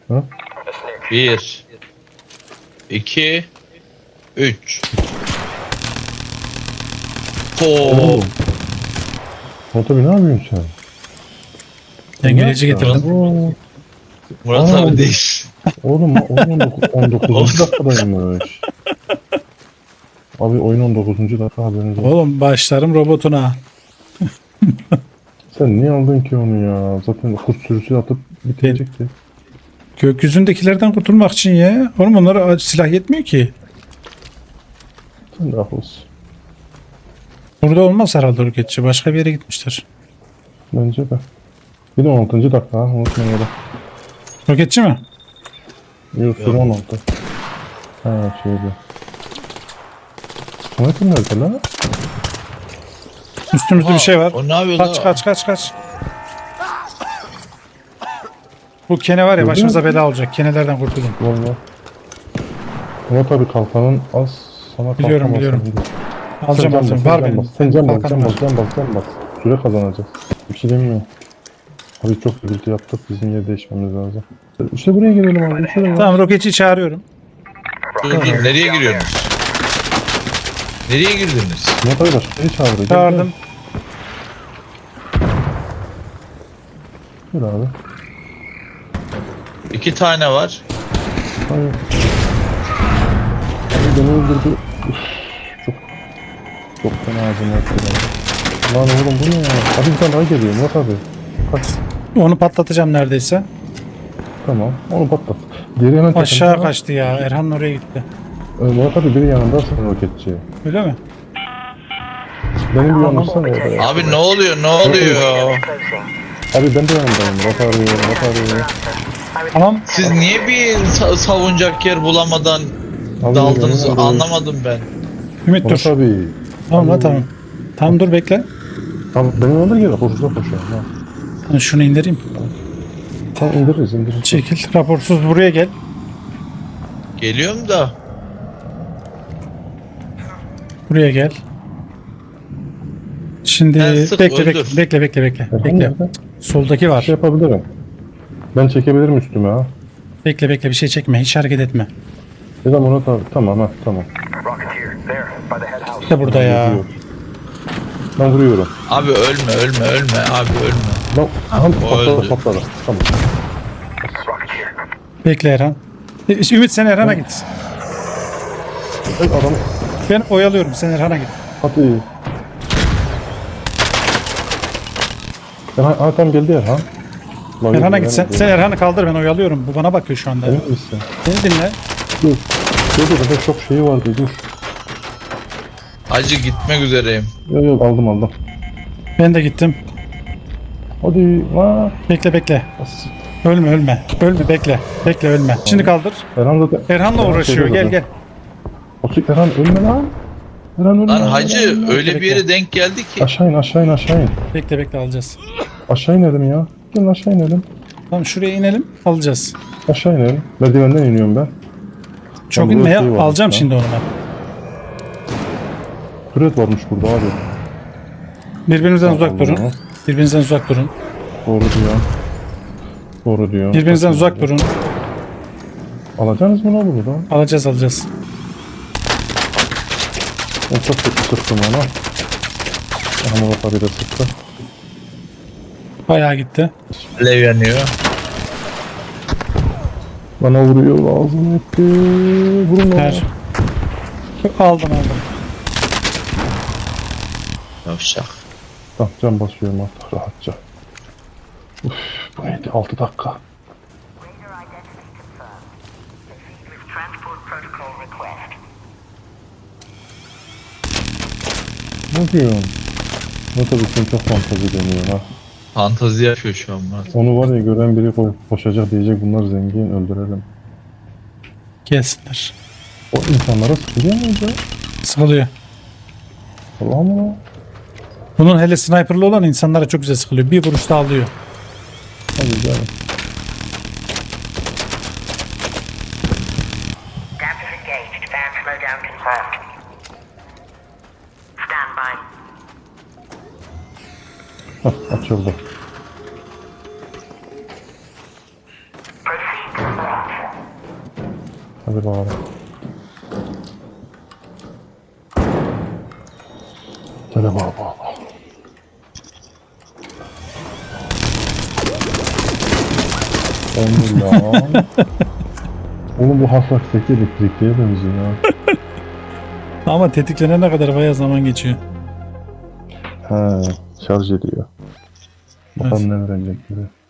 Ha? 1 2 3. Oo. Murat abi ne yapıyorsun sen? Dengeleyici getirdim. Oo. Murat Aa, abi değil. Oğlum oyun 19. Olsun. dakikadaymış. Abi oyun 19. dakika haberiniz olsun. Oğlum başlarım robotuna. Sen niye aldın ki onu ya? Zaten kurt sürüsü atıp bitirecekti. Gökyüzündekilerden kurtulmak için ya. Oğlum onlara silah yetmiyor ki. Sen de haklısın. Burada olmaz herhalde roketçi. Başka bir yere gitmişler. Bence de. Bir de 16. dakika ha. Unutmayın ya da. Roketçi mi? Yok süre 16. Ha şeydi. Sniper nerede lan? Üstümüzde bir şey var. O ne yapıyor Kaç lan? kaç. Bu kene var ya başımıza bela olacak. Kenelerden kurtulun. Valla. Murat abi kalkanın az sana Biliyorum, kalkan biliyorum. basın. Alacağım. Var benim. Sen can bas, Kalkanım can bas. Süre kazanacağız. Bir şey demiyor. Abi çok gürültü yaptık. Bizim yer değişmemiz lazım. İşte buraya gelelim abi. Şuraya. Tamam roketçiyi çağırıyorum. Dur nereye giriyorsunuz? Nereye girdiniz? Murat abi başka biri çağırıyor. Çağırdım. Gel abi. 2 tane var. Hayır. Abi beni öldürdü. Üf, çok fena ağzıma attı. Lan oğlum bu ne ya? Abi bir tane daha geliyor Murat abi. Kaç. Onu patlatacağım neredeyse. Tamam. Onu patlat. Diğeri hemen Aşağı takımda. kaçtı ya. Erhan oraya gitti. Murat abi biri yanında sen roketçi. Öyle mi? Benim bir yanımsana orada ya. Abi ne oluyor? Ne oluyor? Abi ben de yanındayım. Murat abi. Tamam. Siz niye bir savunacak yer bulamadan Abi, daldınız? yanıyorum. Anlamadım ben. Ümit Murat dur. abi. Tamam lan tamam. Tamam dur bekle. Tamam benim yanımda gel. Koşuza koşuyorum. Ha. Ben şunu indireyim. Tamam indiririz. Çekil. Raporsuz buraya gel. Geliyorum da. Buraya gel. Şimdi Ben sık öldür. bekle. Bekle. Soldaki var. Şey yapabilirim. Ben çekebilirim üstüme ha. Bekle bir şey çekme. Hiç hareket etme. Ya da Murat abi. Tamam ha tamam. İşte burada ya. Vuruyor. Ben vuruyorum. Abi ölme. Abi ölme. Lan O öldü. patladı. Tamam. Bekle Erhan. Ümit sen Erhan'a git. Hey adam. Ben oyalıyorum. Sen Erhan'a git. Hadi. Tam geldi Erhan. Erhan'a git sen. Sen Erhan'ı kaldır ben oyalıyorum. Bu bana bakıyor şu anda. Emin misin? Beni dinle. Dur. Dur çok şeyi vardı dur. Hacı gitmek üzereyim. Yok aldım. Ben de gittim. Hadi. Ha. Bekle. Ölme. Bekle ölme. Şimdi kaldır. Erhan zaten. Erhan'la uğraşıyor. Gel. Otur Erhan ölme lan. Erhan ölme. Lan hacı Erhan, öyle bir bekle. yere denk geldi ki. Aşağı in. Bekle alacağız. Aşağı inelim ya. Gelin aşağı inelim. Tamam şuraya inelim. Alacağız. Aşağı inelim. Merdivenden iniyorum ben. Çok burada inme ya. şey varmış Alacağım ya. şimdi onu ben. Türet varmış burada abi. Birbirinizden Allah uzak durun. Allah. Birbirinizden uzak durun. Doğru diyor. Birbirinizden uzak durun. Alacaksınız mı lan bunu da? Alacağız. O çok kötü sıktım ona. Ama bak abi de sıktı. Bayağı gitti. Alev yanıyor. Bana vuruyor ağzını etti. Vurun lan. Ver. Aldım. Yavşak. Tamam can basıyorum artık rahatça. Uf, bu neydi 6 dakika. Raider identity confirmed. Proceed with transport protocol request. Ne diyorsun? Ne tabii sen çok fantezi deniyor ha. Fantazi yapıyor şu an Murat. Onu var ya gören biri koşacak diyecek bunlar zengin öldürelim. Gelsinler. O insanlara sıkılıyor mu acaba? Sıkılıyor. Allah Allah. Bunun hele sniperlı olan insanlara çok güzel sıkılıyor. Bir vuruşta alıyor. Hadi canım. Damper engaged. Fan slowdown confirmed. Stand by. Hah açıldı. Proceed to Hadi bakalım. Hadi bakalım. Allah. Oğlum bu hassasiyeti elektrikliye benziyor ya. Ama tetiklenene kadar bayağı zaman geçiyor. He, şarj ediyor. Bakalım ne verecek gibi.